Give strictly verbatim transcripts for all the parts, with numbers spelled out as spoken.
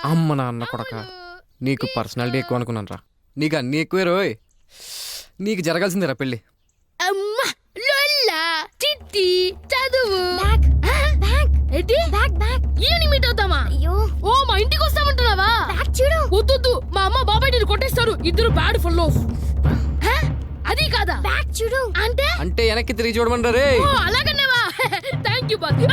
అమ్మ నాన్న కొడక, నీకు పర్సనాలిటీ ఎక్కువ అనుకున్నాను రా. నీకు అన్ని ఎక్కువే రోయ్. నీకు జరగాల్సిందేరా పెళ్ళి. అమ్మా లొల్లా చిట్టి చదువు ఈవినింగ్ మీట్ అవుతామా? ఓ మా ఇంటికి వస్తామంటున్నావా? వద్దు, మా అమ్మ బాబాయ్ నేను కొట్టేస్తారు. ఇద్దరు బ్యాడ్ ఫెలోస్. అది కాదా బ్యాక్ చూడు అంటే అంటే వెనక్కి తిరిగి చూడమంటా రే. అలాగనేవా? థ్యాంక్ యూ బాబు.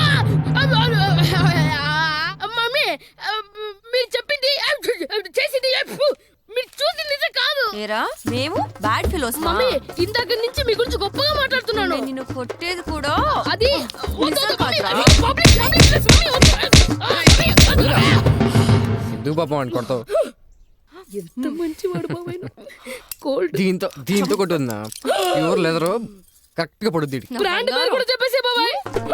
మమ్మీ మీరు చెప్పింది చేసింది మీరు చూసింది నిజం కాదు. ఏరా మేము బ్యాడ్ ఫెలోస్. మమ్మీ ఇందాక నుంచి మీ గురించి గొప్పగా మాట్లాడుతున్నాను. నిన్ను కొట్టేది కూడా అది ఎందుకు పాపం అని కొడతావు? ఎంత మంచివాడు బాబాయ్. కోల్డ్ దీంతో దీంతో కొట్టుందా? ప్యూర్ లెదర్ కరెక్ట్ గా పడుద్ది. బ్రాండ్ పేరు కూడా చెప్పేసే బాబాయ్.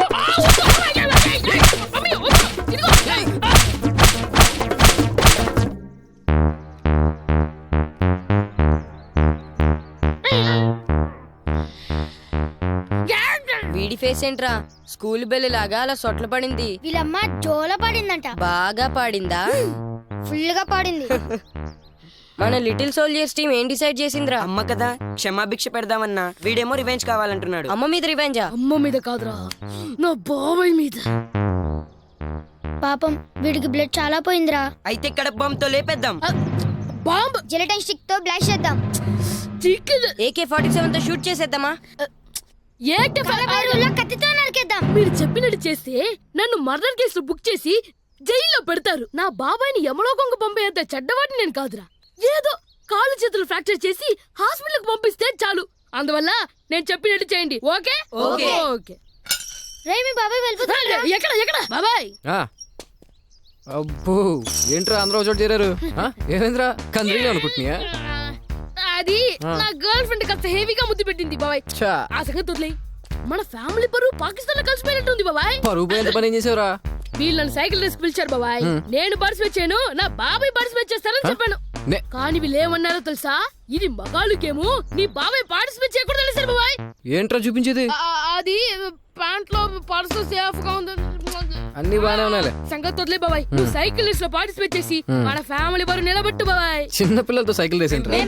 వీడి ఫేస్ ఏంట్రా స్కూల్ బెల్ లాగా అలా సొట్ల పడింది. వీళ్ళమ్మ జోల పాడిందంట. బాగా పాడిందా? ఫుల్ గా పాడింది. మన లిటిల్ సోల్జర్స్ టీం ఏం డిసైడ్ చేసిందిరా? అమ్మ కదా క్షమాభిక్ష పెడదామన్నా, వీడేమో రివెంజ్ కావాలంటున్నాడు. అమ్మ మీద రివెంజా? అమ్మ మీద కాదురా, నా బాబాయ్ మీద. పాపం వీడికి బ్లడ్ చాలా పోయిందిరా. అయితే ఇక్కడ బాంబుతో లేపేద్దాం. బాంబ్ జెలటైన్ స్టిక్ తో బ్లాస్ట్ చేద్దాం. ఏకే ఫార్టీ సెవెన్ తో షూట్ చేసేద్దామా? కత్తితో నరికేద్దాం. మీరు చెప్పినట్టు చేస్తే నన్ను మర్డర్ కేసులో బుక్ చేసి జైల్లో పెడతారు. నా బాబాయ్ని యమలోకంకు పంపేంత చెడ్డవాడిని నేను కాదురా. ఏదో కాలు చేతులు ఫ్రాక్చర్ చేసి హాస్పిటల్ కి పంపిస్తే చాలు. అందువల్ల నేను చెప్పినట్టు చేయండి. Okay okay okay. రే మీ బాబాయ్ వెళ్ళిపోతాడు. ఎక్కడ ఎక్కడ బాబాయ్? అబ్బో ఏంట్రా అందరూ చోటు చేరారు? ఏమేంద్రా కంద్రీలో అనుకుంటున్నా? అది నా గర్ల్ ఫ్రెండ్ కాస్త హెవీగా ముద్దు పెట్టింది బాబాయ్. ఆ సంగతి వదిలేయ్. మన ఫ్యామిలీ పరువు పాకిస్తాన్ లో కలిసిపోయినట్టుంది బాబాయ్. పరువు పోయేంత పని ఏం చేసావురా? వీళ్ళు నన్ను సైకిల్ రేస్ పిలిచారు బాబాయ్. నేను పార్టిసిపేట్ చేయను, నా బాబాయ్ పార్టిసిపేట్ చేస్తారని చెప్పాను. కానీ వీళ్ళు ఏమన్నారో తెలుసా? ఇది మగాళ్ళు గేము, నీ బాబాయ్ పార్టిసిపేట్ చేయకూడదు తెలిసారు బాబాయ్. ఏంట్రా చూపించేది? అది ప్యాంట్ లో పర్సు సేఫ్ గా ఉంది. అన్ని బాగానే ఉన్నాయి. సంగతి వదిలే బాబాయ్. నువ్వు సైకిల్ రేస్ లో పార్టిసిపేట్ చేసి మన ఫ్యామిలీ పరువు నిలబెట్టు బాబాయ్. చిన్న పిల్లలతో సైకిల్ రేస్ ఏంట్రా?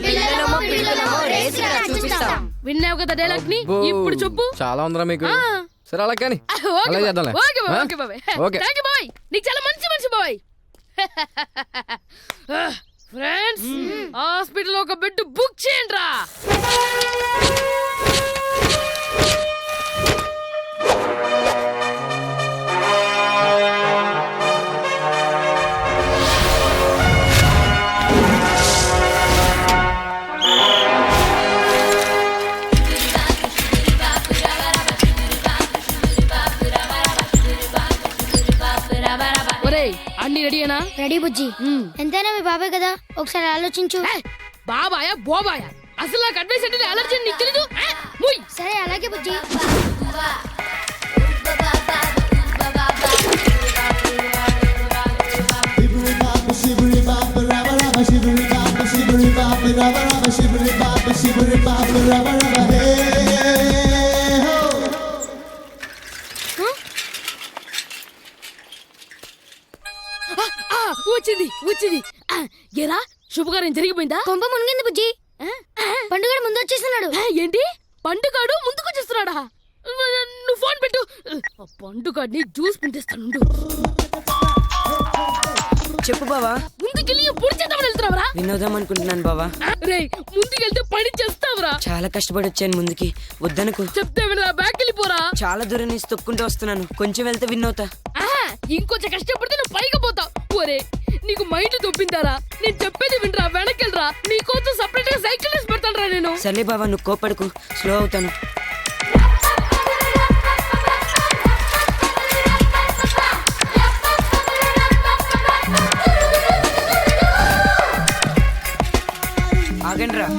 విన్నావు కదా డైలాగ్ ని, ఇప్పుడు చెప్పు. చాలా ఉందిరా మీకు. సరే అలా కానీ నీకు చాలా మంచి మంచి బాయ్. ఫ్రెండ్స్ హాస్పిటల్ ఒక బెడ్ బుక్ చేయండి రా. అన్ని రెడీనా? రెడీ బుజ్జి. ఎంతైనా మీ బాబాయ్ కదా, ఒకసారి ఆలోచించు. బాబాయా బోబాయా, అసలు నాకు అడ్వైస్ అంటే అలర్జీ నీకు తెలీదు? సరే అలాగే బుజ్జి. వచ్చింది వచ్చింది. ఏరా శుభకార్యం జరిగిపోయిందా? కొంప మునిగింది బుజ్జి. పండుగ ముందు వచ్చేస్తున్నాడు. ఏంటి పండుగాడు ముందుకు వచ్చేస్తున్నాడా? నువ్వు ఫోన్ పెట్టు. పండుగాడిని జ్యూస్ పిండిస్తాను. చెప్పు బావా. ముందుకెళ్ళి పొడి చేద్దామని వెళ్తున్నావురా? వినోదం అనుకుంటున్నాను బావా. రే ముందుకెళ్తే పని చేస్తావురా? చాలా కష్టపడి వచ్చాను ముందుకి, వద్దనుకో. చెప్తే వినరా, బ్యాక్ వెళ్ళిపోరా. చాలా దూరం నుంచి తొక్కుంటూ వస్తున్నాను, కొంచెం వెళ్తే విన్నవుతా. ఇంకొంచెం కష్టపడితే నువ్వు పైకి పోతావు. ఒరే నీకు మైండ్ దొబ్బిందారా? నేను చెప్పేది వినరా, వెనకెళ్ళరా. నీకోసం సపరేట్ గా సైకిల్ వేసి పెడతాను రా నేను. సర్లే బావా, నువ్వు కోపడకు, స్లో అవుతాను. ఆగండి రా.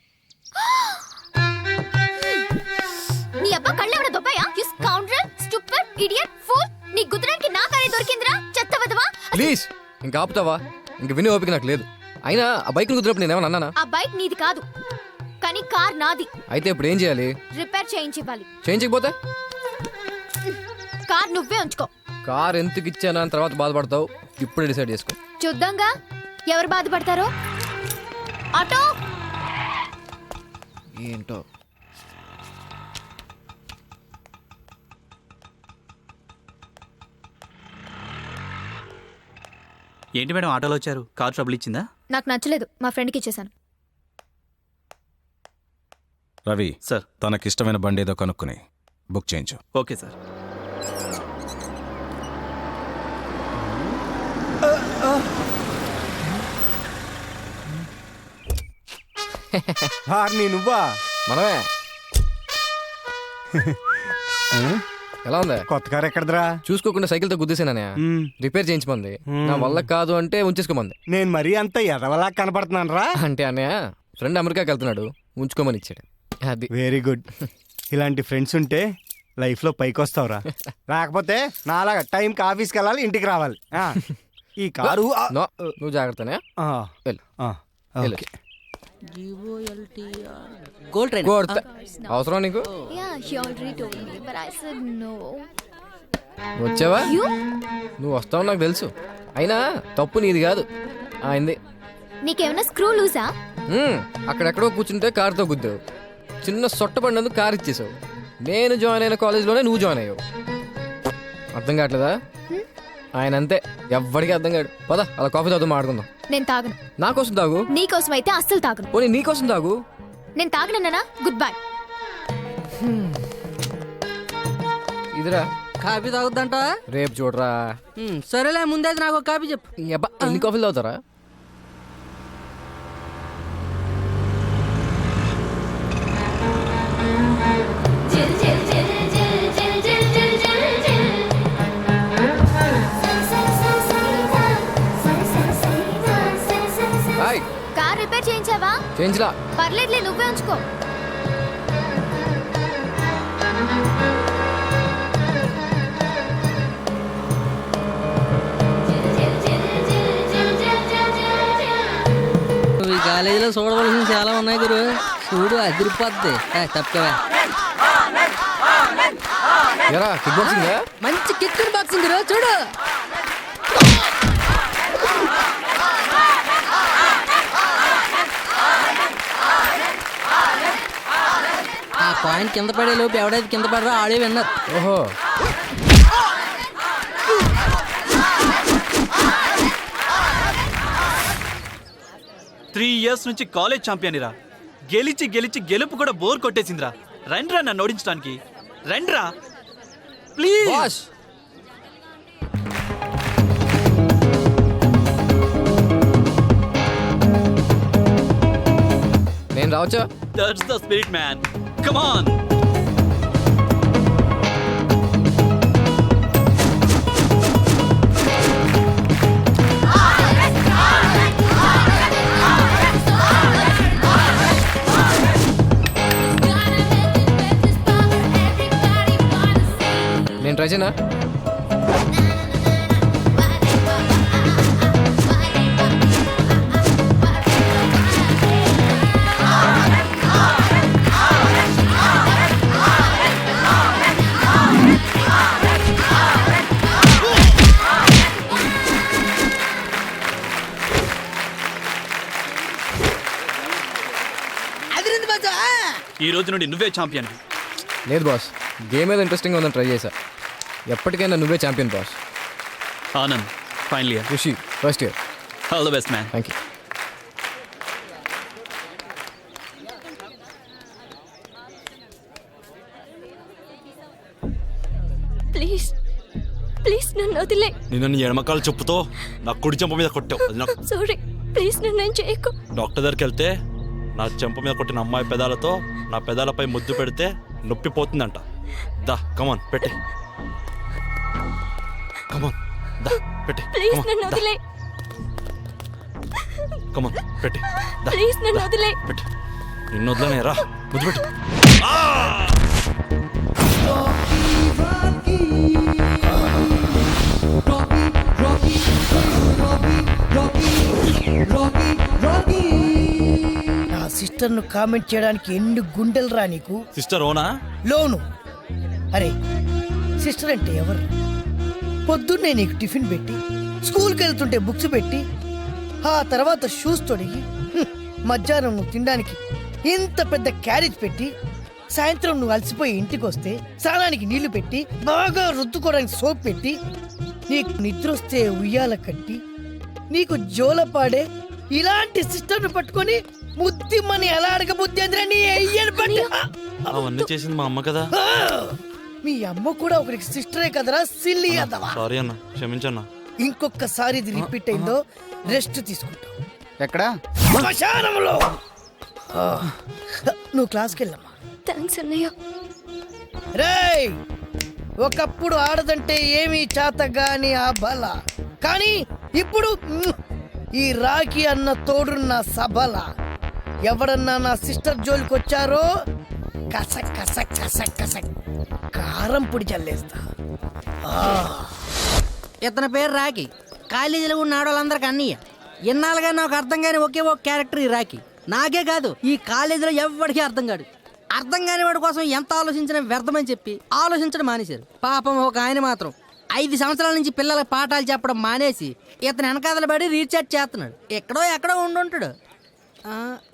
నీ అబ్బా కళ్ళేమన్నా దొబ్బాయా? యు స్కౌండ్రల్, స్టూపిడ్ ప్లీజ్ ఇంకా ఆపుతావా? ఇంక విని ఓపిక నాకు లేదు. అయినా ఆ బైక్ కుదిరినప్పుడు నేనేమన్నా అన్నానా? ఆ బైక్ నీది కాదు, కానీ కార్ నాది. అయితే ఇప్పుడు ఏం చేయాలి? రిపేర్ చేయించి ఇవ్వాలి. చేయించకపోతే కార్ నువ్వే ఉంచుకో. కార్ ఎందుకు ఇచ్చానా అని తర్వాత బాధపడతావు. ఇప్పుడే డిసైడ్ చేసుకో. చూద్దాంగా ఎవరు బాధపడతారో. ఆటో ఏంటో ఏంటి మేడం ఆటోలో వచ్చారు? కార్ ట్రబుల్ ఇచ్చిందా? నాకు నచ్చలేదు, మా ఫ్రెండ్కి ఇచ్చేసాను. రవి సార్. తనకిష్టమైన బండి ఏదో కనుక్కుని బుక్ చేయించు. Okay sir. హార్ని నువ్వా? మనమే. ఎలా ఉంది? కొత్త కారు ఎక్కడదరా? చూసుకోకుండా సైకిల్తో గుద్దేసాననే రిపేర్ చేయించమంది. నా వల్ల కాదు అంటే ఉంచేసుకోమంది. నేను మరీ అంత ఎదవలా కనపడుతున్నాను రా. అంటే అన్నయ్య ఫ్రెండ్ అమెరికాకి వెళ్తున్నాడు, ఉంచుకోమని ఇచ్చాడు. అది వెరీ గుడ్. ఇలాంటి ఫ్రెండ్స్ ఉంటే లైఫ్ లో పైకి వస్తావురా. లేకపోతే నాలాగా టైంకి ఆఫీస్కి వెళ్ళాలి, ఇంటికి రావాలి. ఆ, ఈ కారు ఆ, నో, నువ్వు జాగ్రత్తనే. ఆ, వెళ్ళు. ఆ, వెళ్ళు. ఓకే. Gold train. కొడతా. అవసరం నీకు? Yeah, he already told me, but I said no. వచ్చావా? You? నువ్వు వస్తావు నాకు తెలుసు. అయినా తప్పు నీది కాదు, ఆయనది. నీకేమైనా స్క్రూ లూసా? మ్మ్. అక్కడెక్కడో కూర్చుంటే కారుతో గుద్దావు. చిన్న సొట్ట పడినందుకు కారు ఇచ్చేసావు. నేను జాయిన్ అయిన కాలేజ్లోనే నువ్వు జాయిన్ అయ్యావు. అర్థం కావట్లేదా? ఆయన అంతే, ఎవ్వడికి అర్థం కాడు. పద అలా కాఫీ తాగుతూ మాట్లాడుకుందాం. నేను తాగను. నా కోసం తాగు. నీకోసం అయితే అస్సలు తాగను. పోనీ నీ కోసం తాగు. నేను తాగనన్నా గుడ్ బై. ఇదిరా కాఫీ తాగుద్దంట. రేపు చూడరా. సరేలే, ముందైతే నాకు ఒక కాఫీ చెప్పు. ఈ అబ్బా, ఎన్ని కాఫీలు తాగుతారా? హాయ్. కార్ రిపేర్ చేయించావా? చేయించలా. పర్లేదులే, నువ్వే ఉంచుకో. ఈ కాలేజీలో చూడవలసిన చాలా ఉన్నాయి గురు. చూడు అదిరిపోద్ది. తప్పవా? ఎరా కిక్ బాక్సింగ్? మంచి కిక్ బాక్సింగ్ గురు, చూడు. ఆ పాయింట్ కింద పడే లోపు ఎవడైతే కింద పడరో ఆడే విన్నారు. ఓహో. త్రీ ఇయర్స్ నుంచి కాలేజ్ ఛాంపియన్ రా. గెలిచి గెలిచి గెలుపు కూడా బోర్ కొట్టేసిందిరా. రండ్రా నన్ను ఓడించడానికి, రండ్రా ప్లీజ్. బాస్ నేను రావచ్చా? That's the spirit man, come on. నేను ట్రై చేయనా? ఈ రోజు నుండి నువ్వే ఛాంపియన్. లేదు బాస్, గేమ్ ఏదో ఇంట్రెస్టింగ్ ఉందని ట్రై చేశా. ఎప్పటికైనా నువ్వే champion boss. Anand final year, Rishi first year. All the best man. Thank you. Please please నన్ను వదిలే. నిన్ను నీ ఎడమకాల చెప్పుతో నా కుడి చెంప మీద కొట్టావు. అది నాకు సారీ, ప్లీజ్ నన్ను ఏం చేయకు. డాక్టర్ దగ్గరికి వెళ్తే నా చెంప మీద కొట్టిన అమ్మాయి పెదాలతో నా పెదాలపై ముద్దు పెడితే నొప్పి పోతుందంట. దా కమాన్ పెట్టి, కమాన్ దా పెట్టి, ప్లీజ్ నన్ను వదిలే. కమాన్ పెట్టి, దా ప్లీజ్ నన్ను వదిలే. పెట్టి. నిన్ను వదలనే రా, ముద్దు పెట్టు. Rocky, Rocky, Rocky, Rocky. సిస్టర్ను కామెంట్ చేయడానికి ఎన్ని గుండెలు రా నీకు? సిస్టర్ ఓనా? లోను. అరే సిస్టర్ అంటే ఎవరు? పొద్దున్నే నీకు టిఫిన్ పెట్టి, స్కూల్కి వెళ్తుంటే బుక్స్ పెట్టి, ఆ తర్వాత షూస్ తొడిగి, హ్మ్, మధ్యాహ్నం నువ్వు తినడానికి ఇంత పెద్ద క్యారేజ్ పెట్టి, సాయంత్రం నువ్వు అలసిపోయి ఇంటికి వస్తే స్నానానికి నీళ్లు పెట్టి, బాగా రుద్దుకోవడానికి సోప్ పెట్టి, నీకు నిద్ర వస్తే ఉయ్యాల కట్టి, నీకు జోలపాడే ఇలాంటి సిస్టర్ను పట్టుకొని ముద్దిమ్మని ఎలా అడగబుద్ది అందిరా నీ అయ్యని పట్టి. అవన్నీ చేసింది మా అమ్మ కదా. ఆ! మీ అమ్మ కూడా ఒకరికి సిస్టరే కదరా సిల్లి అదవా. సారీ అన్న, క్షమించన్నా. ఇంకొకసారి ఇది రిపీట్ అయిందో రెస్ట్ తీసుకుంటావు. ఎక్కడా? శ్మశానంలో. ఆ, నువ్వు క్లాస్కి వెళ్ళమ్మా. థ్యాంక్స్ అన్నయ్య. రేయ్, ఒకప్పుడు ఆడదంటే ఏమీ చాతగాని ఆ బల, కానీ ఇప్పుడు మ్, ఈ రాఖీ అన్న తోడున్న సబల. ఎవడన్నా నా సిస్టర్ జోలికి వచ్చారో కసక్ కసక్ కసక్ కసక్ కారం పొడి చల్లేస్తా. ఇతని పేరు రాఖీ. కాలేజీలో ఉన్న ఆడవాళ్ళందరికీ అన్నయ్య. ఇన్నాళ్ళుగా నాకు అర్థం కాని ఒకే ఒక క్యారెక్టర్ ఈ రాఖీ. నాకే కాదు, ఈ కాలేజీలో ఎవరికి అర్థం కాడు. అర్థం కాని వాడి కోసం ఎంత ఆలోచించినా వ్యర్థమని చెప్పి ఆలోచించడం మానేశారు. పాపం ఒక ఆయన మాత్రం ఐదు సంవత్సరాల నుంచి పిల్లలకు పాఠాలు చెప్పడం మానేసి ఇతను వెనకాదల పడి రీఛార్జ్ చేస్తున్నాడు. ఎక్కడో ఎక్కడో ఉండుంటాడు.